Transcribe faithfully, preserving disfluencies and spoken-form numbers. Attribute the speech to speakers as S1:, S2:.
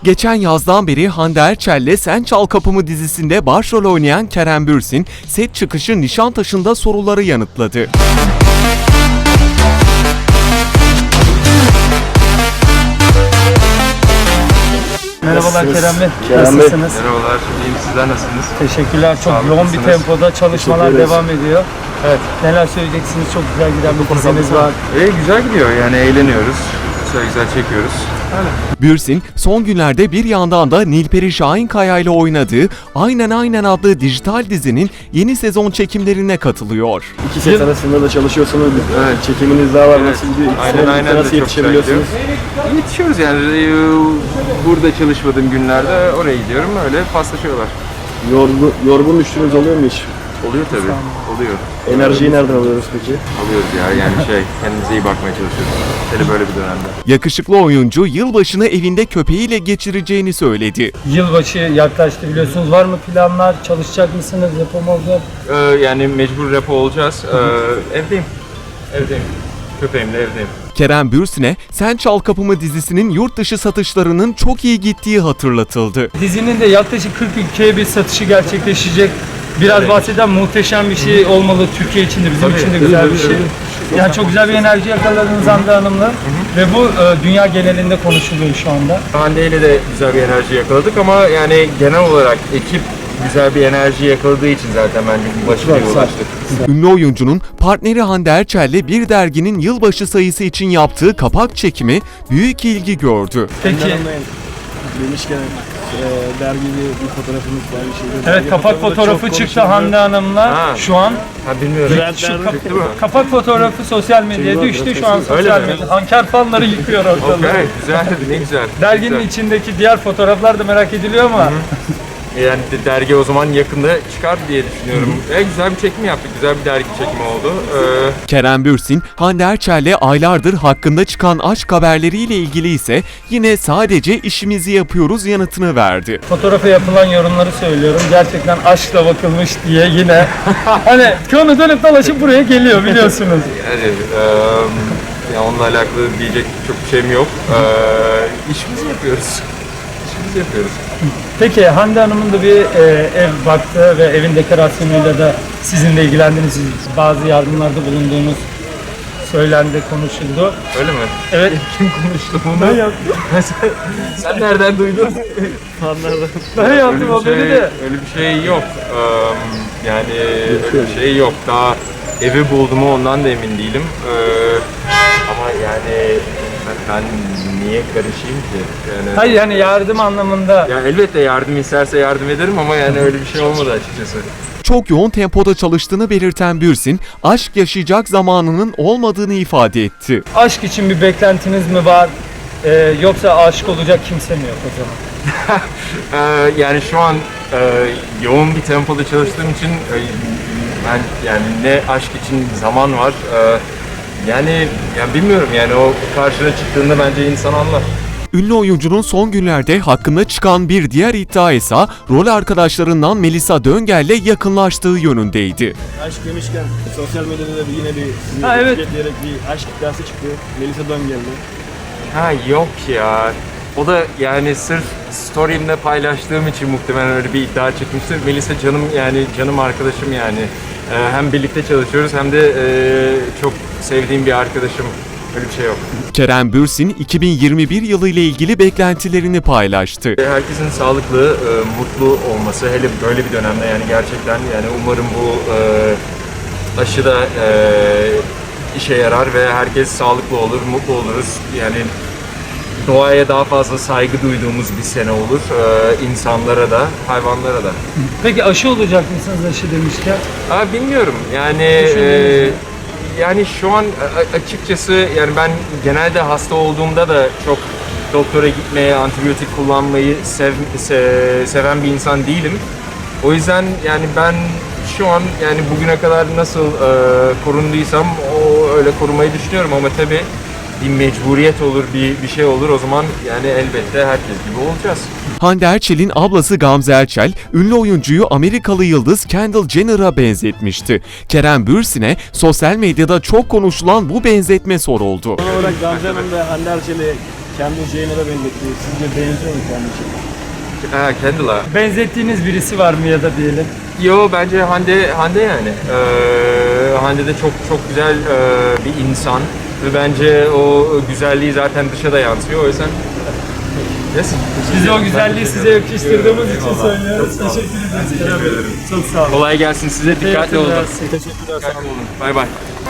S1: Geçen yazdan beri Hande Erçel'le Sen Çal Kapımı dizisinde başrol oynayan Kerem Bürsin, set çıkışı Nişantaşı'nda soruları yanıtladı.
S2: Merhabalar Kerem Bey,
S3: Kerem Bey.
S2: nasılsınız?
S3: Merhabalar, iyiyim. Sizler nasılsınız?
S2: Teşekkürler, çok
S3: Sağ
S2: yoğun bir
S3: olasınız.
S2: tempoda çalışmalar devam ediyor.
S3: Evet.
S2: Neler söyleyeceksiniz? Çok güzel giden bir diziniz var.
S3: İyi, güzel gidiyor. Yani eğleniyoruz. Güzel güzel çekiyoruz. Öyle.
S1: Bürsin, son günlerde bir yandan da Nilperi Şahinkaya ile oynadığı Aynen Aynen adlı dijital dizinin yeni sezon çekimlerine katılıyor.
S4: İki set arasında da çalışıyorsunuz.
S3: Evet.
S4: Çekiminiz daha var.
S3: Evet.
S4: Nasıl gidiyor? İki
S3: Aynen
S4: sene
S3: aynen de
S4: nasıl
S3: çok
S4: yetişebiliyorsunuz?
S3: güzel Yetişiyoruz yani. Ee, Burada çalışmadığım günlerde oraya gidiyorum. Öyle paslaşıyorlar.
S4: Yorgun, yorgun düştüğünüz oluyor mu hiç?
S3: Oluyor tabii. Oluyor.
S4: Enerjiyi nereden alıyoruz peki?
S3: Alıyoruz ya. Yani şey, kendimize iyi bakmaya çalışıyoruz. Hele böyle bir dönemde.
S1: Yakışıklı oyuncu yılbaşını evinde köpeğiyle geçireceğini söyledi.
S2: Yılbaşı yaklaştı biliyorsunuz. Var mı planlar? Çalışacak mısınız? Yapım olacak?
S3: Ee, yani mecbur repo olacağız. Ee, evdeyim. Evdeyim. Köpeğimle evdeyim.
S1: Kerem Bürsin'e Sen Çal Kapımı dizisinin yurt dışı satışlarının çok iyi gittiği hatırlatıldı.
S2: Dizinin de yaklaşık kırk ülkeye bir satışı gerçekleşecek. Biraz
S3: Evet.
S2: bahseden muhteşem bir şey olmalı Türkiye için de, bizim
S3: Tabii,
S2: için de
S3: tabii,
S2: güzel
S3: tabii,
S2: bir şey.
S3: tabii.
S2: Yani çok güzel bir enerji yakaladınız Hande Hanım'la. Ve bu e, dünya genelinde konuşuluyor şu anda.
S3: Hande ile de güzel bir enerji yakaladık ama yani genel olarak ekip güzel bir enerji yakaladığı için zaten bence bu başarıya ulaştık.
S1: Ünlü oyuncunun partneri Hande Erçel'le bir derginin yılbaşı sayısı için yaptığı kapak çekimi büyük ilgi gördü.
S2: Peki,
S4: Demişken e, dergide bir fotoğrafımız var. Bir şeyde.
S2: evet, kapak fotoğrafı çıktı Hande Hanım'la
S3: Ha.
S2: şu an.
S3: Ha bilmiyorum.
S2: Şu
S4: Nerede?
S2: kap-
S3: Çıktı mı?
S2: kapak fotoğrafı sosyal medyaya düştü şu an
S3: Öyle
S2: sosyal
S3: mi?
S2: medya. Anker fanları yıkıyor ortalığı.
S3: Okay, güzel, ne güzel.
S2: Derginin
S3: Güzel.
S2: içindeki diğer fotoğraflar da merak ediliyor ama
S3: Yani de- dergi o zaman yakında çıkar diye düşünüyorum. E, güzel bir çekim yaptık, güzel bir dergi çekimi oldu. Ee,
S1: Kerem Bürsin, Hande Erçel'le aylardır hakkında çıkan aşk haberleriyle ilgili ise yine sadece işimizi yapıyoruz yanıtını verdi.
S2: fotoğrafa yapılan yorumları söylüyorum. Gerçekten aşkla bakılmış diye yine hani konu dönüp dolaşıp buraya geliyor biliyorsunuz.
S3: yani e, ya onunla alakalı diyecek çok bir şeyim yok. Ee, işimizi yapıyoruz. İşimizi yapıyoruz.
S2: Peki Hande Hanım'ın da bir e, ev baktı ve evin dekorasyonuyla da sizinle ilgilendiğiniz, bazı yardımlarda bulunduğunuz söylendi, konuşuldu.
S3: Öyle mi?
S2: Evet.
S3: Kim konuştu bunu?
S2: Ben yaptım.
S3: sen, sen nereden duydun?
S2: Ben yaptım o
S3: şey,
S2: beni de.
S3: öyle bir şey yok. Ee, yani öyle bir şey yok. Daha evi buldum mu ondan da emin değilim. Ee, ama yani ben, ben niye karışayım ki? Yani,
S2: Hayır yani yardım anlamında.
S3: ya elbette yardım isterse yardım ederim ama yani öyle bir şey olmadı açıkçası.
S1: Çok yoğun tempoda çalıştığını belirten Bürsin, aşk yaşayacak zamanının olmadığını ifade etti.
S2: Aşk için bir beklentiniz mi var? Ee, yoksa aşık olacak kimse mi yok o zaman?
S3: Ee, yani şu an e, yoğun bir tempoda çalıştığım için e, ben yani ne aşk için zaman var. E, yani yani bilmiyorum yani o karşına çıktığında bence insan anlar.
S1: Ünlü oyuncunun son günlerde hakkında çıkan bir diğer iddia ise rol arkadaşlarından Melisa Döngel'le yakınlaştığı yönündeydi.
S4: Aşk demişken sosyal medyada da bir- yine bir sizi
S2: Ha, evet.
S4: etiketleyerek bir aşk iddiası çıktı. Melisa Döngel'de.
S3: Ha yok ya. O da yani sırf story'imde paylaştığım için muhtemelen öyle bir iddia çıkmıştır. Melisa canım yani canım arkadaşım yani. Ee, hem birlikte çalışıyoruz hem de e, çok sevdiğim bir arkadaşım. Öyle bir şey yok.
S1: Kerem Bürsin, iki bin yirmi bir yılı ile ilgili beklentilerini paylaştı.
S3: Herkesin sağlıklı, e, mutlu olması hele böyle bir dönemde yani gerçekten yani umarım bu e, aşı da e, işe yarar ve herkes sağlıklı olur, mutlu oluruz. Yani doğaya daha fazla saygı duyduğumuz bir sene olur. E, insanlara da, hayvanlara da.
S2: Peki aşı olacak mısınız aşı demişken?
S3: Aa, bilmiyorum yani e, yani şu an a- açıkçası yani ben genelde hasta olduğumda da çok doktora gitmeye, antibiyotik kullanmayı sev, se- seven bir insan değilim. O yüzden yani ben şu an yani bugüne kadar nasıl e, korunduysam o öyle korumayı düşünüyorum ama tabii bir mecburiyet olur, bir bir şey olur o zaman yani elbette herkes gibi olacağız.
S1: Hande Erçel'in ablası Gamze Erçel, ünlü oyuncuyu Amerikalı yıldız Kendall Jenner'a benzetmişti. Kerem Bürsin'e sosyal medyada çok konuşulan bu benzetme soruldu.
S4: Son olarak Gamze Hanım ve Hande Erçel'i Kendall Jenner'a benzetti. Sizce benziyor mu Kendall Jenner?
S3: Ha, Kendall'a.
S2: Benzettiğiniz birisi var mı ya da diyelim?
S3: Yo, bence Hande Hande yani. Ee, Hande de çok çok güzel e, bir insan ve bence o güzelliği zaten dışa da yansıyor. O yüzden yes.
S2: Biz o güzelliği size yakıştırdığımız için söylüyoruz. Teşekkür ederiz. Çok sağ olun.
S3: Kolay gelsin size, dikkatli olun.
S2: Teşekkürler.
S4: Teşekkürler, sağ olun.
S3: Bay bay.